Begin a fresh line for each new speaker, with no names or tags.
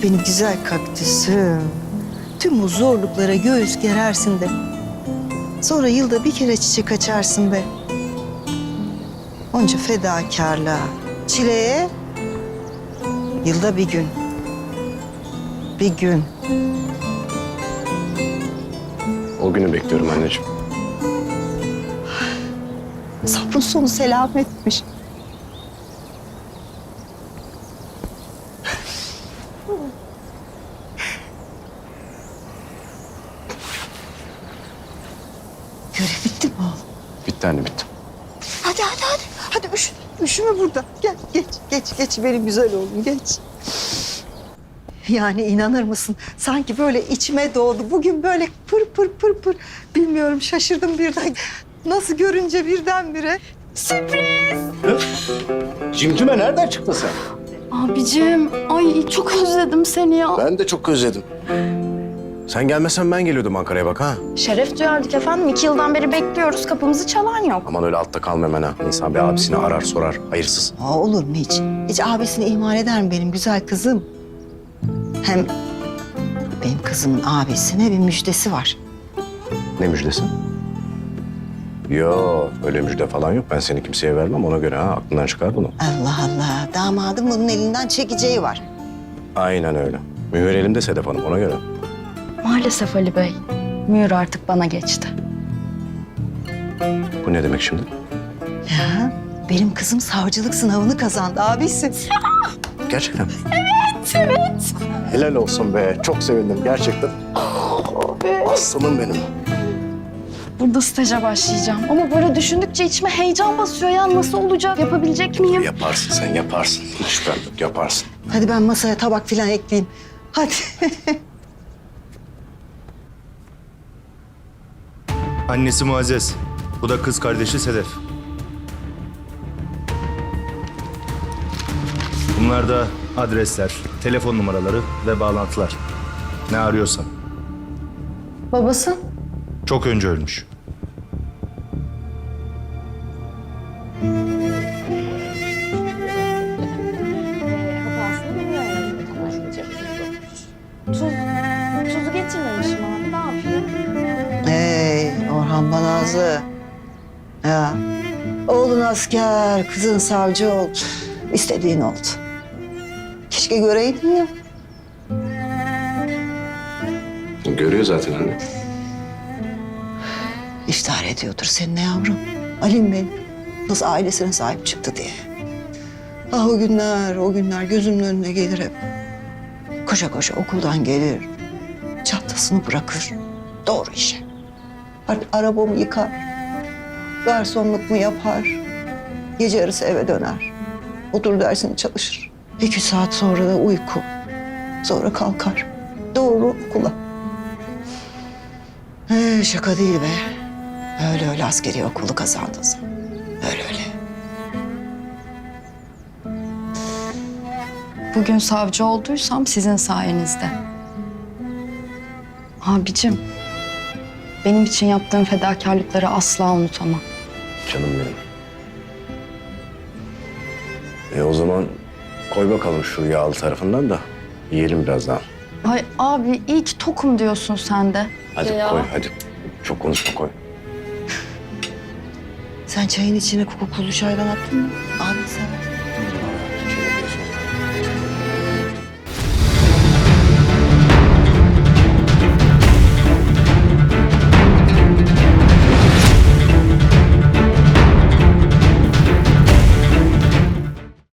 benim güzel kaktüsüm. Tüm bu zorluklara göğüs gerersin de. Sonra yılda bir kere çiçek açarsın be. Onca fedakarlığa, çileye yılda bir gün. Bir gün.
O günü bekliyorum anneciğim.
Sabrın sonu selametmiş. Görev bitti mi oğlum?
Bitti anne, bitti.
Hadi. Hadi üşüme burada. Gel geç benim güzel oğlum geç. Yani inanır mısın? Sanki böyle içime doğdu. Bugün böyle pır. Bilmiyorum şaşırdım birden. Nasıl görünce birdenbire.
Cimcime nereden çıktın sen?
Abicim, ay çok özledim seni ya.
Ben de çok özledim. Sen gelmesen ben geliyordum Ankara'ya bak ha.
Şeref duyardık efendim. 2 yıldan beri bekliyoruz. Kapımızı çalan yok.
Aman öyle altta kalma hemen ha. İnsan bir abisini arar sorar. Hayırsız.
Aa, olur mu hiç? Hiç abisini ihmal eder mi benim güzel kızım? Hem benim kızımın abisine bir müjdesi var.
Ne müjdesi? Yo, öyle müjde falan yok. Ben seni kimseye vermem, ona göre ha. Aklından çıkar bunu.
Allah. Damadım bunun elinden çekeceği var.
Aynen öyle. Mühür elimde Sedef Hanım, ona göre.
Maalesef Ali Bey. Mühür artık bana geçti.
Bu ne demek şimdi?
Ya benim kızım savcılık sınavını kazandı abisi.
Gerçekten mi? Evet. Helal olsun be. Çok sevindim gerçekten. Aslanım benim.
Burada staja başlayacağım. Ama böyle düşündükçe içime heyecan basıyor ya. Nasıl olacak? Yapabilecek miyim?
Yaparsın sen, yaparsın. Hiç şüphem yok, yaparsın.
Hadi ben masaya tabak falan ekleyeyim. Hadi.
Annesi Muazzez. Bu da kız kardeşi Sedef. Bunlar da adresler, telefon numaraları ve bağlantılar. Ne arıyorsan.
Babası?
Çok önce ölmüş.
Tuzu getirmemişim abi. Ne yapayım?
Orhan Banazlı. Ya oğlun asker, kızın savcı oldu. İstediğin oldu. Keşke göreydin ya.
Görüyor zaten anne.
İftihar ediyordur seninle yavrum. Alim Bey nasıl ailesine sahip çıktı diye. Ah o günler gözümün önüne gelir hep. Koşa koşa okuldan gelir. Çantasını bırakır. Doğru işe. Arabamı yıkar. Garsonluk mu yapar. Gece yarısı eve döner. Otur dersini çalışır. 2 saat sonra da uyku. Sonra kalkar. Doğru okula. Şaka değil be. Öyle askeri okulu kazandın sen. Öyle.
Bugün savcı olduysam sizin sayenizde. Abicim, benim için yaptığın fedakarlıkları asla unutamam.
Canım benim. O zaman koy bakalım şu yağlı tarafından da yiyelim biraz daha.
Ay abi iyi ki tokum diyorsun sen de.
Hadi
Ya.
koy hadi. Çok konuşma koy.
Sen çayın içine kokulu çaydan attın mı? Abi